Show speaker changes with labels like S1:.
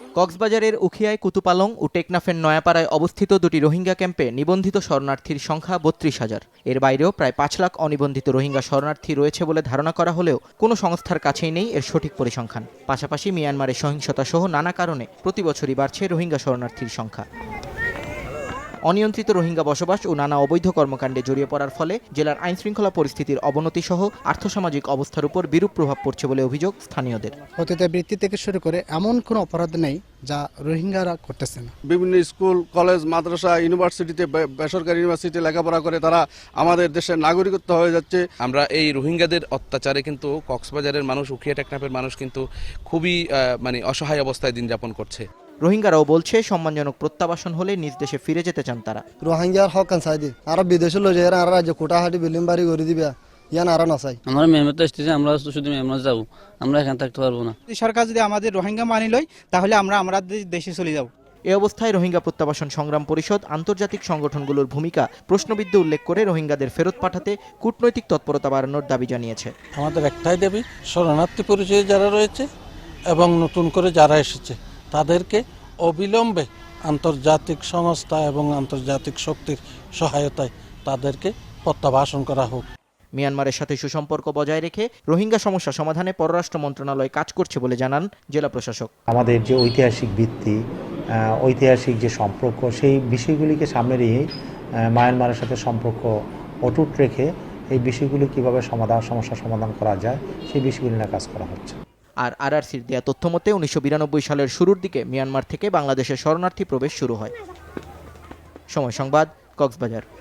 S1: কক্সবাজারের উখিয়ায় কুতুপালং ও টেকনাফের নয়াপাড়ায় অবস্থিত দুটি রোহিঙ্গা ক্যাম্পে নিবন্ধিত শরণার্থীর সংখ্যা ৩২,০০০। এর বাইরেও প্রায় ৫ লাখ অনিবন্ধিত রোহিঙ্গা শরণার্থী রয়েছে বলে ধারণা করা হলেও কোনো সংস্থার কাছেই নেই এর সঠিক পরিসংখ্যান। পাশাপাশি মিয়ানমারের সহিংসতা সহ নানা কারণে প্রতিবছরই বাড়ছে রোহিঙ্গা শরণার্থীর সংখ্যা। অনিয়ন্ত্রিত রোহিঙ্গা বসবাস ও নানা অবৈধ কর্মকাণ্ডে জড়িয়ে পড়ার ফলে জেলার আইনশৃঙ্খলা পরিস্থিতির অবনতি সহ আর্থসামাজিক অবস্থার উপর বিরূপ প্রভাব পড়ছে বলে অভিযোগ স্থানীয়দের।
S2: অতীতে বৃত্তি থেকে শুরু করে এমন কোনো অপরাধ নেই যা রোহিঙ্গারা করতেছে না।
S3: বিভিন্ন স্কুল, কলেজ, মাদ্রাসা, ইউনিভার্সিটিতে, বেসরকারি ইউনিভার্সিটি লেখাপড়া করে তারা আমাদের দেশের নাগরিকত্ব হয়ে যাচ্ছে।
S4: আমরা এই রোহিঙ্গাদের অত্যাচারে কিন্তু কক্সবাজারের মানুষ, উখিয়া টেকনাফের মানুষ কিন্তু খুবই অসহায় অবস্থায় দিন যাপন করছে।
S1: রোহিঙ্গারাও বলছে সম্মানজনক প্রত্যাবাসন হলে নিজ দেশে ফিরে যেতে চান তারা।
S5: রোহিঙ্গার হক চাইদি আর বিদেশে লই যায় আর রাজ্য কোটাহাটি বিল্ডিং বাড়ি করে দিবে ইয়ান আর না চাই।
S6: আমরা মেহনত আসতেছি, আমরা শুধু মেহনত যাবো, আমরা এখানে থাকতে পারবো না।
S7: সরকার যদি আমাদের রোহিঙ্গা মানি লয় তাহলে আমরা দেশে চলে যাব।
S1: এ অবস্থায় রোহিঙ্গা প্রত্যাবাসন সংগ্রাম পরিষদ আন্তর্জাতিক সংগঠনগুলোর ভূমিকা প্রশ্নবিদ্ধ উল্লেখ করে রোহিঙ্গাদের ফেরত পাঠাতে কূটনৈতিক তৎপরতা বাড়ানোর দাবি জানিয়েছে।
S8: আমাদের একটাই দাবি, শরণার্থী পরিচয়ে যারা রয়েছে এবং নতুন করে যারা এসেছে তাদেরকে অবিলম্বে আন্তর্জাতিক সংস্থা এবং আন্তর্জাতিক শক্তির সহায়তায় তাদেরকে প্রত্যাবাসন করা হোক।
S1: মিয়ানমারের সাথে সুসম্পর্ক বজায় রেখে রোহিঙ্গা সমস্যা সমাধানে পররাষ্ট্র মন্ত্রণালয় কাজ করছে বলে জানান জেলা প্রশাসক।
S9: আমাদের যে ঐতিহাসিক ভিত্তি, ঐতিহাসিক যে সম্পর্ক, সেই বিষয়গুলিকে সামনে রেখে মায়ানমারের সাথে সম্পর্ক অটুট রেখে এই বিষয়গুলি কীভাবে সমস্যার সমাধান করা যায় সেই বিষয়গুলি নিয়ে কাজ করা হচ্ছে।
S1: আর আরআরসির দেয়া তথ্য মতে ১৯৯২ সালের শুরুর দিকে মিয়ানমার থেকে বাংলাদেশের শরণার্থী প্রবেশ শুরু হয়। সময় সংবাদ, কক্সবাজার।